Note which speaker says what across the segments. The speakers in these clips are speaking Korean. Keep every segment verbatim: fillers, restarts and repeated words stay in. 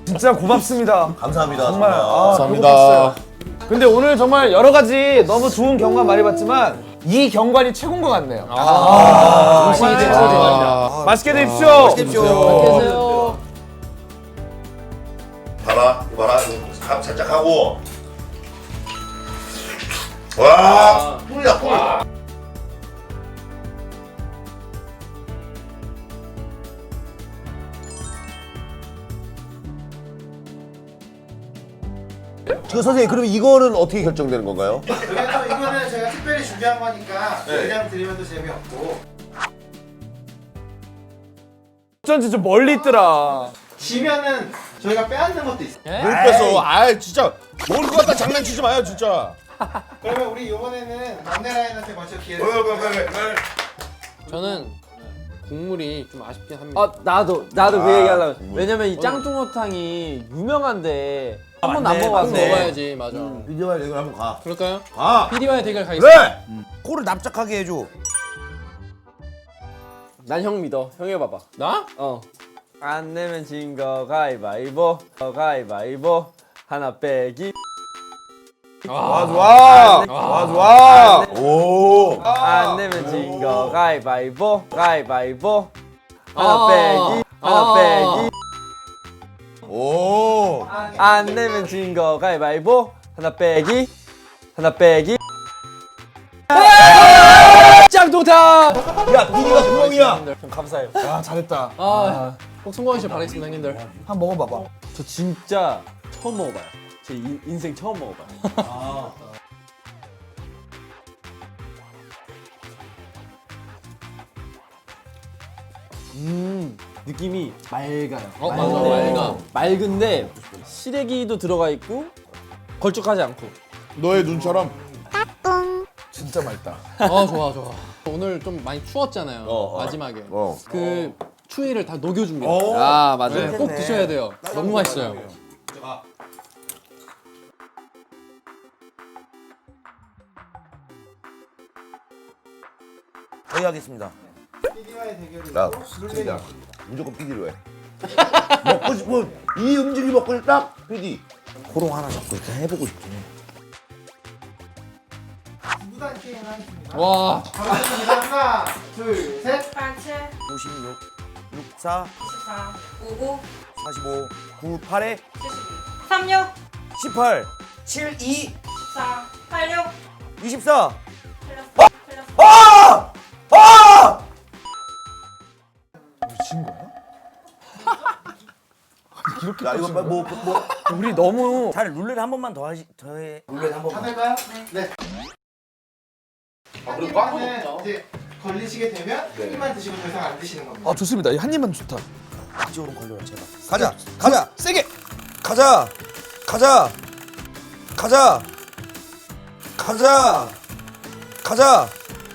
Speaker 1: 진짜 고맙습니다.
Speaker 2: 감사합니다.
Speaker 1: 정말. 아,
Speaker 3: 감사합니다.
Speaker 1: 근데 오늘 정말 여러 가지 너무 좋은 경관 많이 봤지만 이 경관이 최고인 것 같네요.
Speaker 3: 아,
Speaker 1: 정말
Speaker 3: 진짜
Speaker 1: 최고인 것
Speaker 3: 좋아요.
Speaker 1: 같네요. 맛있게 드십시오.
Speaker 2: 맛있게 드십시오.
Speaker 3: 계세요.
Speaker 2: 봐봐, 이거 봐라. 이거 감 살짝 하고. 와, 꿀이다, 꿀. 저 선생님, 그럼 이거는 어떻게 결정되는 건가요?
Speaker 4: 그래서 이거는 제가 특별히 준비한 거니까
Speaker 2: 네.
Speaker 4: 그냥 드리면 또 재미없고
Speaker 1: 어쩐지 좀 멀리 있더라.
Speaker 4: 지면은 저희가 빼앗는 것도 있어요.
Speaker 3: 뭘 뺐어? 아 진짜 뭘 그거 갖다 장난치지 마요 진짜.
Speaker 4: 그러면 우리 이번에는 막내 라인한테 먼저 기회를
Speaker 2: 왜, 왜, 왜, 왜?
Speaker 5: 저는 국물이 좀 아쉽긴 합니다.
Speaker 6: 아 나도 나도 그
Speaker 2: 아,
Speaker 6: 얘기하려고.
Speaker 2: 국물.
Speaker 6: 왜냐면 이 짱뚱어탕이 유명한데 한 번도 안
Speaker 5: 한번
Speaker 6: 먹어봤어.
Speaker 5: 먹어야지, 맞아.
Speaker 2: 민정아, 이거 한번 가.
Speaker 5: 그럴까요?
Speaker 2: 가.
Speaker 5: 피디와의 대결 가겠습니다.
Speaker 2: 그래! 코를 납작하게 해줘.
Speaker 6: 난 형 믿어. 형 해봐봐.
Speaker 5: 나?
Speaker 6: 어. 안 내면 진 거 가위바위보. 어, 가위바위보. 하나 빼기.
Speaker 1: 좋아 좋아. 좋아 좋아.
Speaker 2: 오!
Speaker 6: 안 내면 진 거 가위바위보. 가위바위보. 하나
Speaker 5: 아.
Speaker 6: 빼기. 하나
Speaker 5: 아.
Speaker 6: 빼기.
Speaker 2: 오!
Speaker 6: 안 내면 진 거 가위바위보. 하나 빼기. 하나 빼기.
Speaker 5: 짱동탕!
Speaker 2: 야, 비니가 구멍이야!
Speaker 6: 형 감사해요.
Speaker 1: 아 잘했다.
Speaker 5: 아, 꼭 성공하시길 바라겠습니다, 형님들.
Speaker 1: 한번 먹어봐봐.
Speaker 6: 저 진짜 처음 먹어봐요. 제 인, 인생 처음 먹어봐요. 음 느낌이 맑아요.
Speaker 5: 어, 맞아, 맑아.
Speaker 6: 맑은데 시래기도 들어가 있고 걸쭉하지 않고.
Speaker 3: 너의 눈처럼.
Speaker 1: 진짜 맛있다.
Speaker 5: 아, 좋아, 좋아. 오늘 좀 많이 추웠잖아요,
Speaker 2: 어, 어.
Speaker 5: 마지막에.
Speaker 2: 어.
Speaker 5: 그 추위를 다 녹여줍니다.
Speaker 6: 아 맞아요.
Speaker 5: 네, 꼭 드셔야 돼요. 너무 맛있어요.
Speaker 2: 저희 하겠습니다.
Speaker 4: 피디와의 대결이
Speaker 2: 야,
Speaker 4: 있고
Speaker 2: 진짜 무조건 피디로 해. 먹고 싶은 이 음식이 먹고 싶다, 피디. 호롱 하나 잡고 이렇게 해보고 싶긴 해.
Speaker 4: 구단 게임을 하겠습니다.
Speaker 5: 와,
Speaker 4: 가겠습니다. 하나, 둘, 셋.
Speaker 7: 팔칠,
Speaker 2: 오십육, 육십사,
Speaker 7: 십사, 오십구,
Speaker 2: 사십오, 구, 팔에
Speaker 7: 칠십이, 삼십육,
Speaker 2: 십팔, 칠, 이,
Speaker 7: 십사, 팔십육,
Speaker 2: 이십사.
Speaker 7: 틀렸어, 틀렸어.
Speaker 2: 아! 아!
Speaker 1: 미친 거야?
Speaker 2: 야, 이거 뭐, 뭐, 뭐.
Speaker 1: 우리 너무
Speaker 2: 잘 룰렛 한 번만 더 하시, 더 해. 룰렛 한
Speaker 4: 다
Speaker 2: 번만.
Speaker 4: 될까요? 네. 한 입만은 이제 걸리시게 되면 한 입만 드시고 더 이상 안 드시는 겁니다.
Speaker 1: 아 좋습니다. 이 한 입만 좋다.
Speaker 2: 이쪽으로 걸려라, 제발. 가자, 가자, 세게. 가자, 가자, 가자, 가자, 가자.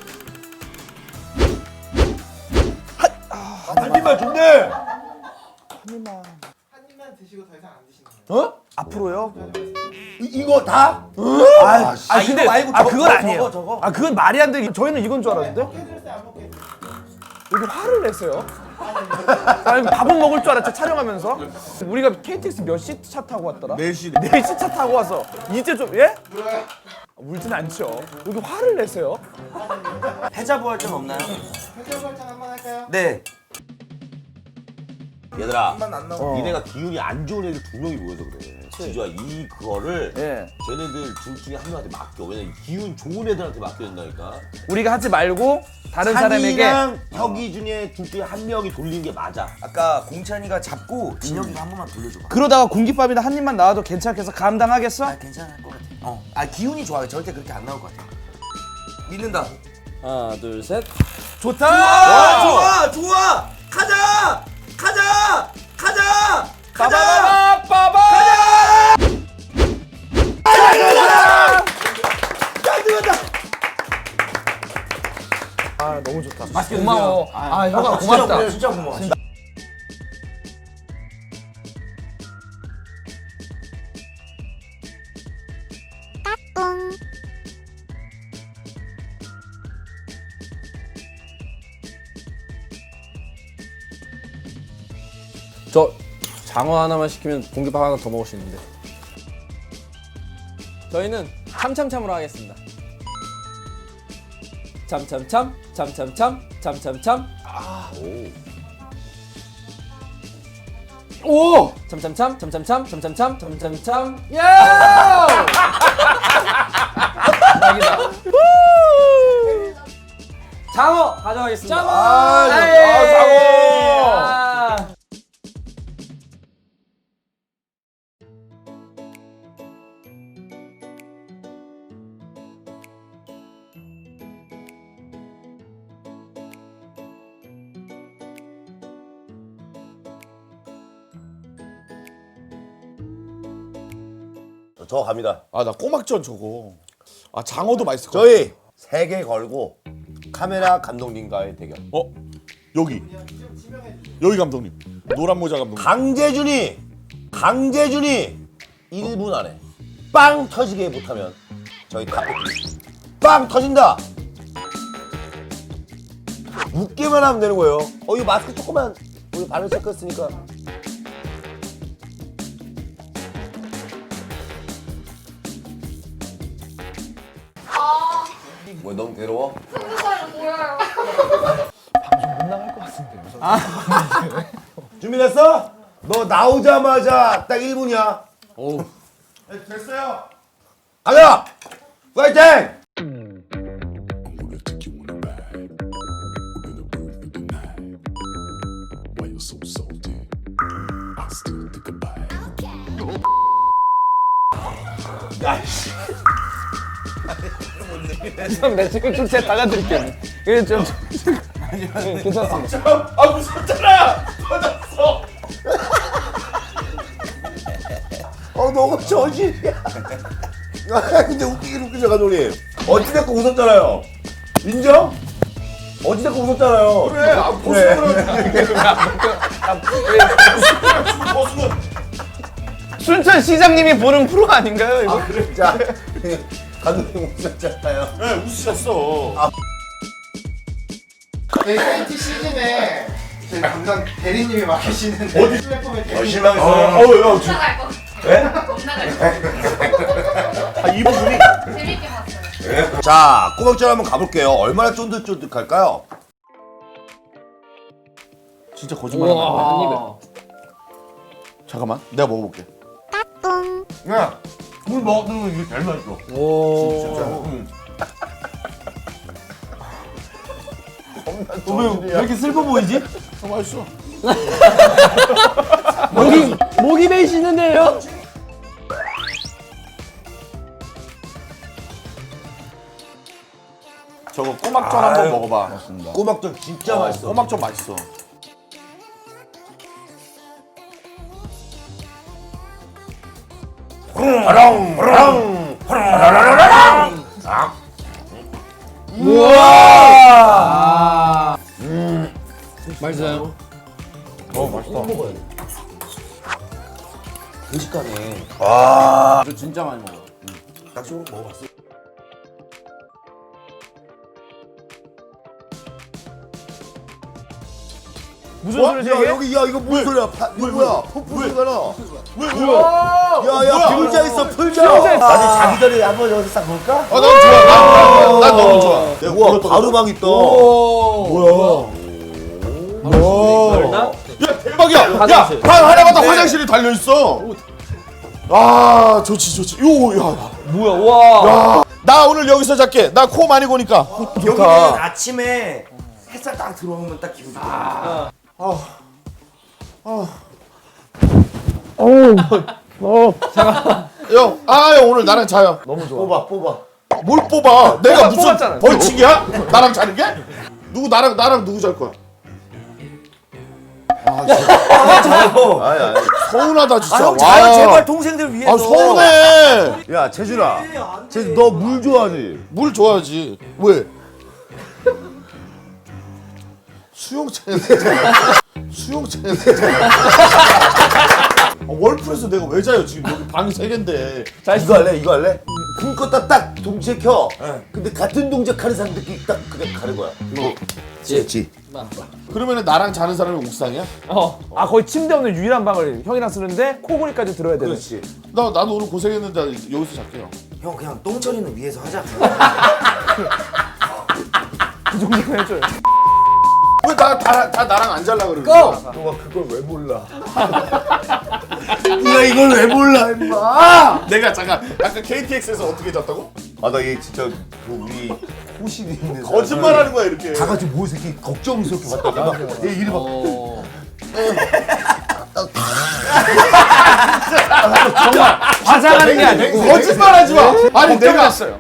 Speaker 2: 한 입만 준대.
Speaker 4: 한 입만 드시고 더 이상 안 드시는 겁니다.
Speaker 2: 어? 앞으로요? 이, 이거 다?
Speaker 1: 아, 아
Speaker 2: 이거
Speaker 1: 근데
Speaker 2: 말고
Speaker 1: 아
Speaker 2: 저거,
Speaker 1: 그건
Speaker 2: 저거,
Speaker 1: 아니에요.
Speaker 2: 저거.
Speaker 1: 아 그건 말이 안 돼. 저희는 이건 줄 알았는데
Speaker 4: 먹게 해드렸어요? 안 먹게 해드렸어요?
Speaker 1: 여기 화를 내세요. 아니 밥은 먹을 줄 알았죠 촬영하면서. 우리가 케이티엑스 몇 시 차 타고 왔더라?
Speaker 3: 네 시.
Speaker 1: 네 시 차 타고 와서 이제 좀 예?
Speaker 4: 물어요.
Speaker 1: 아, 울진 않죠. 여기 화를 내세요.
Speaker 2: 패자부활전 없나요?
Speaker 4: 회전 설정 한번 할까요?
Speaker 2: 네. 얘들아,
Speaker 4: 한번 안 나오고.
Speaker 2: 어. 니네가 기운이 안 좋은 애들 두 명이 모여서 그래. 지주야, 이 그거를
Speaker 1: 예.
Speaker 2: 쟤네들 둘 중에 한 명한테 맡겨. 왜냐면 기운 좋은 애들한테 맡겨야 된다니까.
Speaker 1: 우리가 하지 말고 다른 사람에게
Speaker 2: 산이랑 혁이 중에 둘 중에 한 명이 돌리는 게 맞아.
Speaker 8: 아까 공찬이가 잡고 진혁이가 한 번만 돌려줘봐.
Speaker 1: 그러다가 공깃밥이나 한 입만 나와도 괜찮겠어? 감당하겠어?
Speaker 8: 아 괜찮을 것 같아. 어. 아 기운이 좋아요. 절대 그렇게 안 나올 것 같아. 믿는다.
Speaker 6: 하나 둘 셋.
Speaker 1: 좋다.
Speaker 8: 아, 좋아 좋아. 가자 가자 가자 가자.
Speaker 1: 빠바바바 빠바. 아 너무 좋다. 맛있게 고마워. 아 형아 고맙다.
Speaker 8: 진짜 고마워.
Speaker 6: 저 장어 하나만 시키면 공깃밥 하나 더 먹을 수 있는데. 저희는 참참참으로 하겠습니다. 참참참, 참참참, 참참참. 오! 참참참, 참참참, 참참참, 참참참. 야! 장어 가져가겠습니다. 장어.
Speaker 3: 아,
Speaker 6: 에이!
Speaker 3: 장어.
Speaker 6: 아.
Speaker 2: 저 갑니다.
Speaker 3: 아, 나 꼬막전 저거. 아, 장어도 맛있을 것 같아.
Speaker 2: 저희 세 개 걸고 카메라 감독님과의 대결.
Speaker 3: 어? 여기. 여기 감독님. 노란 모자 감독님.
Speaker 2: 강재준이 강재준이 일 분 안에 빵 터지게 못하면 저희 다 뺏깁니다. 빵 터진다. 웃기만 하면 되는 거예요. 어, 이 마스크 조금만 우리 발을 체크했으니까. 뭐 너무 괴로워? 준비됐어? 너 나오자마자 딱 일 분이야.
Speaker 5: 오.
Speaker 3: 네, 됐어요.
Speaker 2: 가자! 파이팅!
Speaker 9: gonna take you on a ride. We're gonna groove through the night. Why you're so salty? I still think about it.
Speaker 6: 형, 내 지금 좀 제가 달라드릴게요. 이게 좀 괜찮습니다.
Speaker 3: 아, 무섭잖아. 터졌어.
Speaker 2: 어, 너무 저질이야. 아, 근데 웃기긴 웃기죠, 감독님. 어찌됐건 웃었잖아요. 인정? 어찌됐건 웃었잖아요.
Speaker 3: 그래. 아, 고수는 고수는
Speaker 1: 순천 시장님이 보는 프로 아닌가요 이거?
Speaker 2: 아, 그래. 자, 감독님 웃었잖아요.
Speaker 3: 네, 웃으셨어.
Speaker 4: 저희 케이티 시즌에 저희 담당 대리님이 맡으시는 플랫폼에 대리
Speaker 2: 실망했어요.
Speaker 3: 어, 야, 지금
Speaker 7: 나갈 것 같아.
Speaker 2: 네?
Speaker 7: 못 나갈 것 같아.
Speaker 3: 아, 이 부분이
Speaker 7: 재밌게 봤어요.
Speaker 2: 자, 꼬박전 한번 가볼게요. 얼마나 쫀득쫀득할까요?
Speaker 3: 진짜 거짓말하는 거야.
Speaker 5: 한 입에.
Speaker 3: 잠깐만, 내가 먹어볼게.
Speaker 2: 야, 물 먹으면 이게 제일 맛있어.
Speaker 5: 오.
Speaker 2: 왜, 왜 이렇게 슬퍼 보이지?
Speaker 3: 어, 맛있어.
Speaker 6: 목이 목이 메이시는데요?
Speaker 3: 저거 꼬막전 한번 먹어봐. 맞습니다.
Speaker 2: 꼬막전 진짜 맛있어.
Speaker 3: 꼬막전 맛있어.
Speaker 2: 랑, 랑, 라라라라랑. 아.
Speaker 5: 맛있어요?
Speaker 2: 음식가네. 와.
Speaker 5: 이거 진짜 많이 먹어요.
Speaker 2: 낙지로 먹어봤어?
Speaker 1: 무슨
Speaker 2: 어?
Speaker 1: 소리지
Speaker 2: 야,
Speaker 1: 이게?
Speaker 2: 여기, 야, 이거 무슨 소리야? 파, 이거 뭐야? 폭포 소리가 나.
Speaker 3: 왜, 뭐야?
Speaker 2: 야, 야, 풀자 있어, 풀자. 아니, 자기 전에 한번 여기서 싹 볼까?
Speaker 3: 아, 난 좋아. 난, 난 너무 좋아. 내가
Speaker 2: 우와,
Speaker 3: 물었다.
Speaker 2: 바로막 있다.
Speaker 3: 뭐야?
Speaker 6: 열나?
Speaker 3: 야, 대박이야. 야,
Speaker 6: 화장실.
Speaker 3: 방 하나마다 화장실이 달려 있어. 아, 좋지, 좋지. 요, 야, 야.
Speaker 6: 뭐야? 와.
Speaker 3: 나 오늘 여기서 잘게. 나 코 많이 고니까.
Speaker 8: 여기는 아침에 햇살 딱 들어오면 딱 기분 좋아.
Speaker 3: 형, 아, 형 오늘 나랑 자요.
Speaker 2: 뽑아, 뽑아.
Speaker 3: 뭘 뽑아? 내가 무슨
Speaker 1: 뽑았잖아.
Speaker 3: 벌칙이야? 나랑 자는 게? 누구 나랑 나랑 누구 잘 거야?
Speaker 2: 아니, 아니.
Speaker 3: 서운하다 진짜.
Speaker 8: 아, 형
Speaker 3: 와.
Speaker 8: 자요 제발 동생들 위해서.
Speaker 3: 아, 서운해.
Speaker 2: 야, 재준아. 재준, 너 물 좋아하지?
Speaker 3: 물 줘야지. 왜? 수영장에서 수영장에서 아, 월풀에서 내가 왜 자요 지금 여기 방이 세 개인데.
Speaker 2: 자, 이거 할래? 이거 할래? 불 껐다 딱 동시에 켜. 근데 같은 동작 하는 사람들끼리 딱 그게 가는 거야. 이거. 지. 지.
Speaker 3: 그러면은 나랑 자는 사람이 옥상이야?
Speaker 1: 어. 아 거의 침대 없는 유일한 방을 형이랑 쓰는데 코골이까지 들어야 되는.
Speaker 2: 그렇지.
Speaker 3: 나 나도 오늘 고생했는데 여기서 잘게요.
Speaker 8: 형 그냥 똥처리는 위에서 하자.
Speaker 1: 그 정도는 해줘요.
Speaker 3: 왜 다 다 다 나랑 안 잘라 그러는
Speaker 8: 고!
Speaker 3: 거야?
Speaker 2: 너가 그걸 왜 몰라?
Speaker 8: 네가 이걸 왜 몰라 임마.
Speaker 3: 내가 잠깐 아까 케이티엑스에서 어떻게 잤다고?
Speaker 2: 아 나 얘 진짜 그 우리 호실이 있는
Speaker 3: 거짓말하는 거야 이렇게.
Speaker 2: 다 같이 모여서 이렇게 걱정스럽게 봤다가 얘 이리 막
Speaker 1: 정말 과장하는 게 아니고
Speaker 3: 거짓말하지 마. 아니 내가
Speaker 1: 걱정했어요.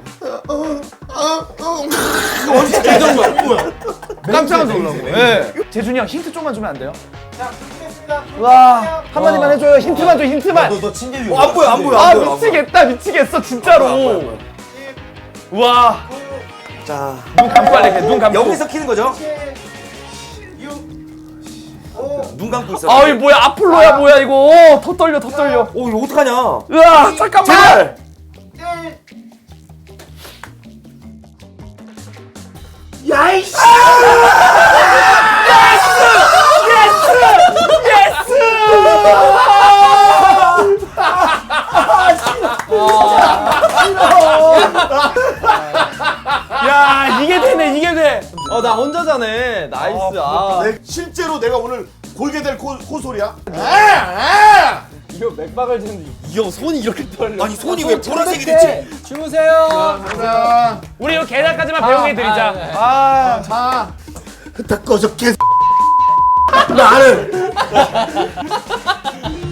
Speaker 1: 깜짝 놀라고. 예. 재준이 형 힌트 좀만 주면 안 돼요?
Speaker 4: 자, 부르겠습니다.
Speaker 1: 와 한마디만 해줘요. 힌트만 줘 힌트만.
Speaker 2: 너, 너 침대 위에
Speaker 8: 어, 안 보여 안 보여
Speaker 1: 아
Speaker 8: 안 보여.
Speaker 1: 미치겠다 미치겠어 진짜로. 와.
Speaker 8: 자
Speaker 1: 눈 감고 할래 눈 감고.
Speaker 8: 여기서 키는 거죠?
Speaker 4: 칠, 육, 오,
Speaker 8: 눈 감고 있어.
Speaker 1: 아 이거 뭐야 아폴로야 뭐야 이거. 더 떨려 더 떨려.
Speaker 8: 오 이거 어떡하냐?
Speaker 1: 으아 잠깐만.
Speaker 4: 일.
Speaker 8: 야이씨.
Speaker 1: 야 이게 되네 이게 돼.
Speaker 6: 어 나 혼자 자네. 나이스. 아,
Speaker 3: 내, 실제로 내가 오늘 골게 될 코, 코소리야? 아, 아!
Speaker 6: 이거 맥박을 듣는데 이 형 손이 이렇게 떨려.
Speaker 8: 아니 손이 왜 보라색이 됐지?
Speaker 6: 주무세요.
Speaker 3: 가자.
Speaker 1: 우리 이거 계단까지만 배웅해 드리자.
Speaker 6: 아, 네.
Speaker 1: 아,
Speaker 3: 자.
Speaker 2: 다 꺼져 개
Speaker 8: 나를